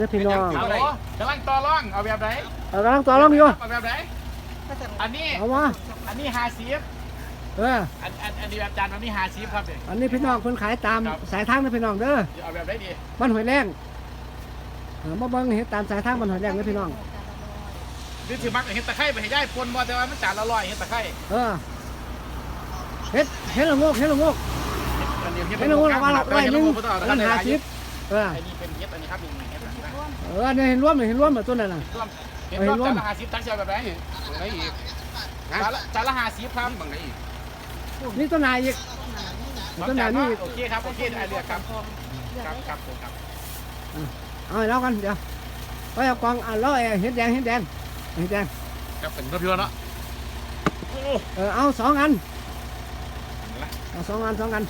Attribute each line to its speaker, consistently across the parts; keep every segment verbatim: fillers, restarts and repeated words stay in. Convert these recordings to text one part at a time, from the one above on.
Speaker 1: เด้อพี่น้อง
Speaker 2: เอาเลยกำลังต่อร่องเอาแบบไหน
Speaker 1: เอากำลังต่อรองอยู่
Speaker 2: เอาแบบไหนอันนี้
Speaker 1: เอามา
Speaker 2: อันนี้ฮาซีฟ
Speaker 1: เออ
Speaker 2: อันอันอันนี้แบบจานอันนี้ฮาซีฟครับเนี่ย
Speaker 1: อันนี้พี่น้องคนขายตามสายทางนะพี่น้องเด้อ
Speaker 2: เอาแบบไหนดี
Speaker 1: บ้านหอยแรงเออมาเบิ่งเห็นตามสายทางบ้านหอยแรงนะพี่น้อง
Speaker 2: นี่ถือมักเห็ดตะไคร้ไปให้ย่ายปนบ่แต่ว่ามันจานละร้อยเห็ดตะไคร้
Speaker 1: เออเฮ็ดเฮ็ดละโงกเฮ็ดละโงก
Speaker 2: อันนี้
Speaker 1: เฮ็ดละโงกละวันละร้อยหนึง
Speaker 2: อั
Speaker 1: อันนั้นห้าสิบเออ
Speaker 2: อันนี้เป็นเห็ดอันนี้ครับนี่เห็ดอันนี้นะ
Speaker 1: เออเนี่ยเห็นรวมเลยเห็นรวมแบบตัวนั้นน่ะ
Speaker 2: ร่วมเห็ดร่วมจานละห้าสิบตั้งใจแบบไหน
Speaker 3: ไหนอีก
Speaker 2: จานละจานละห้าสิบครับ
Speaker 3: บางไหนอีก
Speaker 1: นี่ต้นนายอีกต้นนายนี่อีก
Speaker 2: โอเคครับโอเคไอเลือกครับครับครับผมครับ
Speaker 1: เอาให้เรากันเดี๋ยวไปเอากองอ่ะแล้วไอ้เห็ดแดงเห็ดแดงเห็ดแดง
Speaker 2: ครับเป็นรถพิวเนาะ
Speaker 1: เออเอาสองอันเอาสองอันสองอัน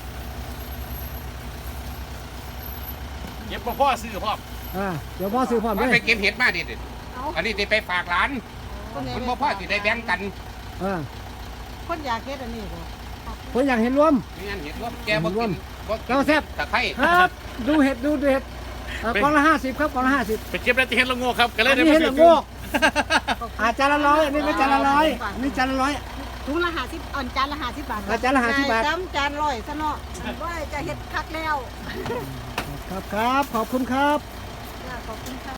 Speaker 2: เก็บพ่อซื้อพ่อ
Speaker 1: อ่าเดี๋ยวพ่อซื้อพร้อม
Speaker 3: มัน
Speaker 1: เล
Speaker 3: ไป
Speaker 1: ย
Speaker 3: เก็บเห็ดมาดิอันนี้ติไปฝากร้านมันบ่พอสิได้แบ่งกัน
Speaker 1: เออ
Speaker 4: คนอยากเฮ็ดอันนี้บ่
Speaker 1: ผมอยากเห็นรวม
Speaker 3: นี่งั้นเห็ดรวมแกบ่กินบ่กิน
Speaker 1: เจ้าแซ่บ
Speaker 3: ตะไคร้
Speaker 1: ครับดูเห็ดดูเห็ดเอ่อกองละห้าสิบครับกองละห้าสิบ
Speaker 2: ไปเก็บได้ที่เห็ดละโงกครับก็เล
Speaker 1: อั
Speaker 2: ย
Speaker 1: น
Speaker 2: ได้
Speaker 1: นี้
Speaker 2: มา
Speaker 1: เห็ด
Speaker 2: ซื้อ
Speaker 1: ละโงกอาจานละร้อยอันนี้ไม่จานละร้อยอันนี้จานละร้อย
Speaker 4: ถุงละห้าสิบอ่อนจานละห้าสิบบาท
Speaker 1: อ่าจานละห้าสิบบาท
Speaker 4: จำจานร้อยซะเนาะว่าจะเฮ็ดคักแล้ว
Speaker 1: ครับครับขอบคุณครับ
Speaker 4: จ้าขอบคุณค่ะ